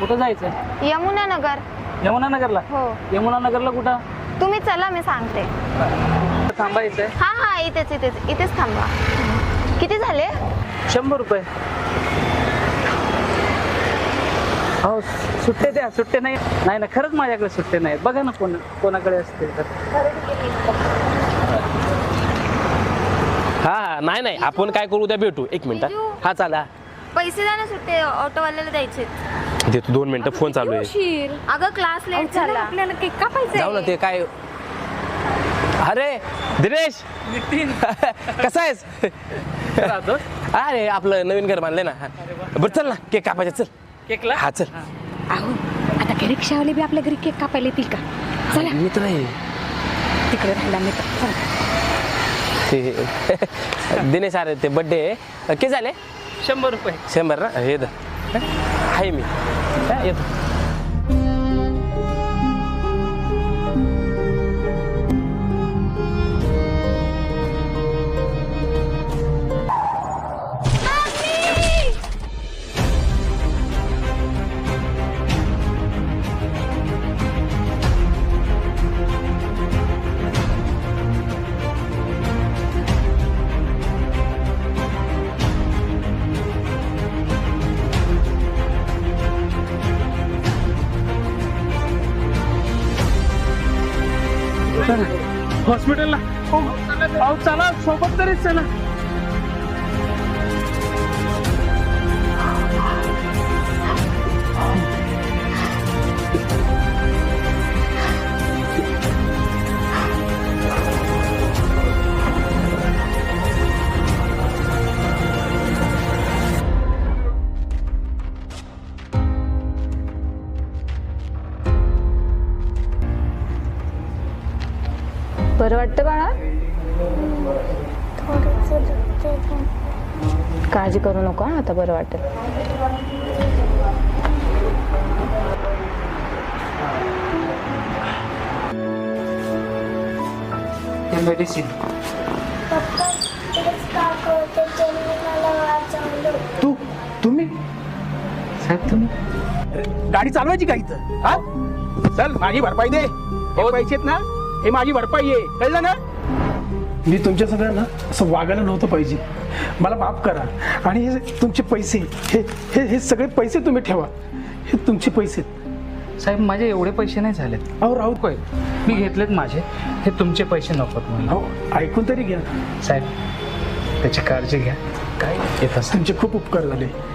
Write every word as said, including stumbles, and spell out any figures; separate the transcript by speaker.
Speaker 1: कुठं जायचं?
Speaker 2: यमुना नगर.
Speaker 1: यमुना नगरला?
Speaker 2: हो.
Speaker 1: यमुना नगरला कुठं?
Speaker 2: तुम्ही चला, मी सांगते.
Speaker 1: थांबायचंय?
Speaker 2: हा हा इथेच इथेच इथेच थांबा. किती झाले?
Speaker 1: शंभर रुपये. हो सुट्टे द्या. सुट्टे नाही नाही ना, खरंच माझ्याकडे सुट्टे नाहीत. बघा ना कोण कोणाकडे असते तर.
Speaker 3: हा नाही नाही, आपण काय करू, उद्या भेटू. एक मिनिट. हा चाला.
Speaker 2: पैसे द्या ना, सुट्टे ऑटोवाल्याला द्यायचे.
Speaker 3: देतो, दोन मिनिटं. फोन चालू आहे.
Speaker 2: अगं क्लास लेट झाला, आपल्याला केक कापायचा.
Speaker 3: जाऊ ना. ते काय, अरे दिनेश कसा आहेस? अरे आपलं नवीन घर बांधलंय ना. बरं चल ना, केक कापायचं. चल
Speaker 1: केकला?
Speaker 3: हा चल.
Speaker 4: अहो आता घरी रिक्षावाले बी आपल्या घरी केक कापायला येतील का? चला.
Speaker 3: मित्र आहे
Speaker 4: तिकडे राहिला मित्र.
Speaker 3: ते दिनेश. अरे ते बड्डे किती झाले?
Speaker 1: शंभर रुपये.
Speaker 3: शंभर ना. हे द आहे मी येतो.
Speaker 1: हॉस्पिटलला. अहो चला, सोबत तरीच चला.
Speaker 4: बरं वाटतं बाळा? काळजी करू नको, आता बरं वाटेल.
Speaker 1: मेडिसिन.
Speaker 5: तू तुम्ही
Speaker 1: साहेब तुम्ही
Speaker 5: गाडी चालवायची का इथं? हा चल, माझी भरपाई दे. हे पैसे आहेत ना, हे माझी भरपाई आहे, कळलं ना? मी तुमच्या सगळ्यांना असं वागायला नव्हतं पाहिजे. मला माफ करा. आणि हे तुमचे पैसे, हे हे हे सगळे पैसे तुम्ही ठेवा. हे तुमचे पैसे.
Speaker 1: साहेब माझे एवढे पैसे नाही झालेत.
Speaker 5: अहो राहू
Speaker 1: काय मी घेतलेत माझे. हे तुमचे पैसे नकोत मला.
Speaker 5: अहो ऐकून तरी घ्या.
Speaker 1: साहेब त्याची काळजी घ्या. काय येत असं.
Speaker 5: तुमचे खूप उपकार झाले.